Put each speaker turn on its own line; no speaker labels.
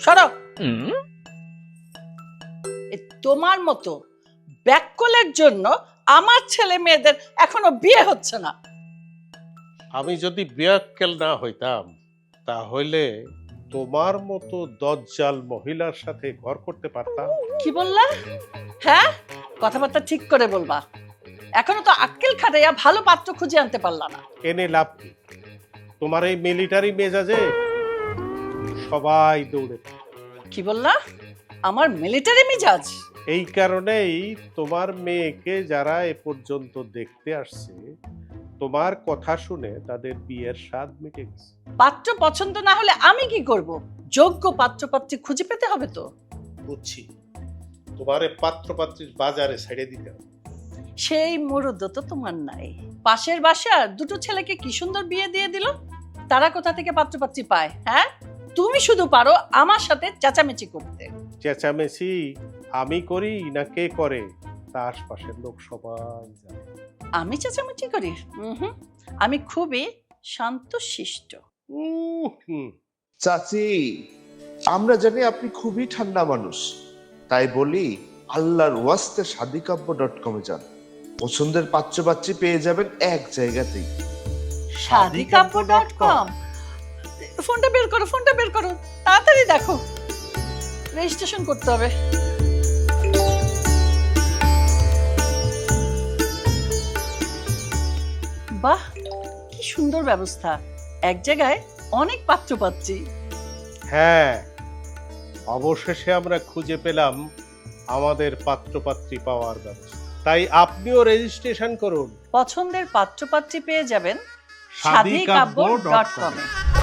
সরো। তোমার মতো ব্যাককলের জন্য আমার ছেলে মেয়েদের এখনো বিয়ে হচ্ছে না।
আমি যদি বিয়াক্কেল না হইতাম তাহলে তোমার মতো দজ্জাল মহিলার সাথে ঘর করতে পারতাম।
কি বললা? হ্যাঁ, কথাবার্তা ঠিক করে বলবা। এখনো তো আক্কেল খাটাইয়া ভালো পাত্র খুঁজে আনতে পারলা না।
এনে লাভ কি? তোমার এই মিলিটারি মেজাজে সবাই দৌড়ে।
কি বললা? আমার মিলিটারি মিজাজ?
এই কারণেই তোমার মেয়েকে যারা এ পর্যন্ত দেখতে আসছে তোমার কথা শুনে তাদের বিয়ের স্বাদ মিটে গেছে।
পাত্র পছন্দ না হলে আমি কি করব? যোগ্য পাত্রপাত্রী খুঁজে পেতে হবে তো।
বুঝছি, তোমারে পাত্রপাত্রীর বাজারে ছেড়ে দিতে হবে।
সেই মুরুদ তো তোমার নাই। পাশের বাসার দুটো ছেলেকে কি সুন্দর বিয়ে দিয়ে দিল। তারা কোথা থেকে পাত্রপাত্রী পায়? হ্যাঁ, তুমি শুধু পারো আমার সাথে চেঁচামেচি করতে।
চেঁচামেচি আমি করি না কে করে তা আশপাশের লোক সবাই জানে।
আমি চেঁচামেচি করি? আমি খুবই শান্তশিষ্ট।
হুম।
চাচি, আমরা জানি আপনি খুবই ঠান্ডা মানুষ, তাই বলি আল্লাহর ওয়াস্তে শাদিকাব্য.com যান। পছন্দের পাত্রপাত্রী পেয়ে যাবেন এক জায়গাতেই।
শাদিকাব্য.com। ফোনটা বের করো, ফোনটা বের করো, তাড়াতাড়ি দেখো, রেজিস্ট্রেশন করতে হবে। বাহ, কি সুন্দর ব্যবস্থা, এক জায়গায় অনেক পাত্রপাত্রী।
হ্যাঁ, অবশেষে আমরা খুঁজে পেলাম আমাদের পাত্রপাত্রী পাওয়ার ব্যবস্থা। তাই আপনিও রেজিস্ট্রেশন করুন।
পছন্দের পাত্রপাত্রী পেয়ে যাবেন
শাদিকাব্য.com
শাদিকাব্য.com এ।